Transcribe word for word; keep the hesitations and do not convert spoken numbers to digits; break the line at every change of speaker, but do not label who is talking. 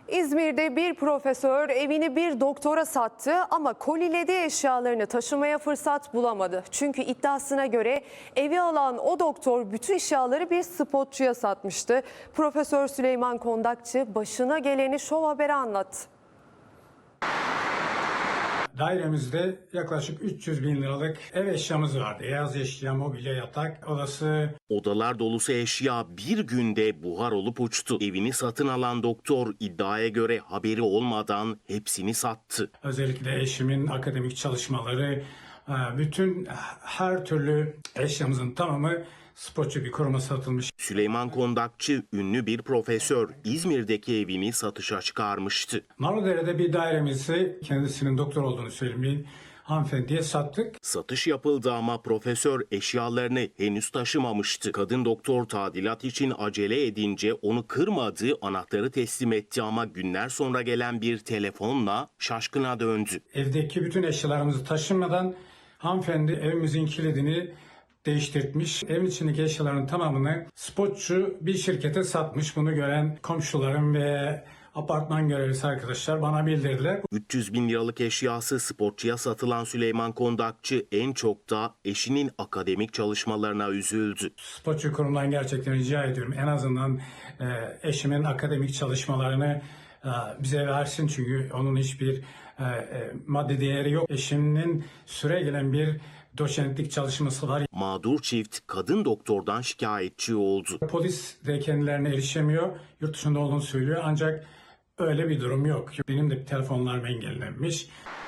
İzmir'de bir profesör evini bir doktora sattı ama kolilediği eşyalarını taşımaya fırsat bulamadı. Çünkü iddiasına göre evi alan o doktor bütün eşyaları bir spotçuya satmıştı. Profesör Süleyman Kondakçı başına geleni Şov Haber'e anlattı.
Dairemizde yaklaşık üç yüz bin liralık ev eşyamız vardı. Beyaz eşya, mobilya, yatak odası.
Odalar dolusu eşya bir günde buhar olup uçtu. Evini satın alan doktor iddiaya göre haberi olmadan hepsini sattı.
Özellikle eşimin akademik çalışmaları, bütün her türlü eşyamızın tamamı spotçu bir kuruma satılmış.
Süleyman Kondakçı ünlü bir profesör İzmir'deki evini satışa çıkarmıştı.
Narlıdere'de bir dairemizi kendisinin doktor olduğunu söylemeyin hanımefendiye sattık.
Satış yapıldı ama profesör eşyalarını henüz taşımamıştı. Kadın doktor tadilat için acele edince onu kırmadı, anahtarı teslim etti ama günler sonra gelen bir telefonla şaşkına döndü.
Evdeki bütün eşyalarımızı taşımadan hanımefendi evimizin kilidini değiştirmiş. Evin içindeki eşyaların tamamını spotçu bir şirkete satmış. Bunu gören komşularım ve apartman görevlisi arkadaşlar bana bildirdiler.
üç yüz bin liralık eşyası spotçuya satılan Süleyman Kondakçı en çok da eşinin akademik çalışmalarına üzüldü.
Spotçu kurumdan gerçekten rica ediyorum. En azından e, eşimin akademik çalışmalarını e, bize versin. Çünkü onun hiçbir e, e, maddi değeri yok. Eşimin süre gelen bir doçentlik çalışması var.
Mağdur çift kadın doktordan şikayetçi oldu.
Polis de kendilerine erişemiyor. Yurt dışında olduğunu söylüyor ancak öyle bir durum yok. Benim de telefonlarım engellenmiş.